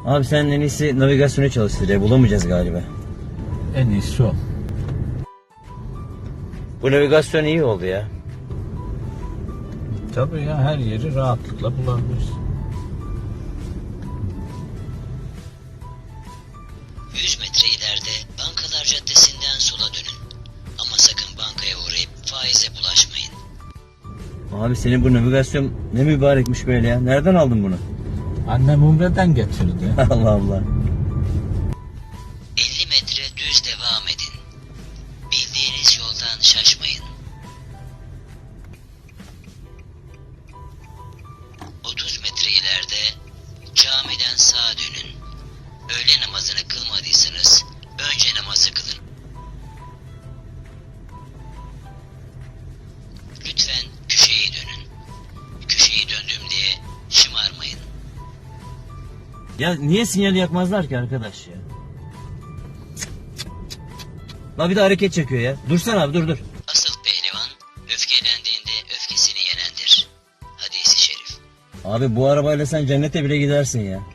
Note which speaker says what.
Speaker 1: Abi sen en iyisi navigasyonu çalıştır ya. Bulamayacağız galiba.
Speaker 2: En iyisi o.
Speaker 1: Bu navigasyon iyi oldu ya.
Speaker 2: Tabii ya, her yeri rahatlıkla bulabiliriz.
Speaker 3: 100 metre ileride Bankalar Caddesi'nden sola dönün. Ama sakın bankaya uğrayıp faize bulaşmayın.
Speaker 1: Abi senin bu navigasyon ne mübarekmiş böyle ya. Nereden aldın bunu?
Speaker 2: Annem Umre'den getirdi.
Speaker 1: Allah Allah.
Speaker 3: 50 metre düz devam edin. Bildiğiniz yoldan şaşmayın. 30 metre ileride camiden sağa dönün. Öğle namazını kılmadıysanız önce namazı kılın. Lütfen köşeyi dönün. Köşeyi döndüm diye şımarmayın.
Speaker 1: Ya niye sinyali yakmazlar ki arkadaş ya? La bir de hareket çekiyor ya. Dursana abi, dur.
Speaker 3: Asıl pehlivan öfkelendiğinde öfkesini yenendir. Hadis-i şerif.
Speaker 1: Abi bu arabayla sen cennete bile gidersin ya.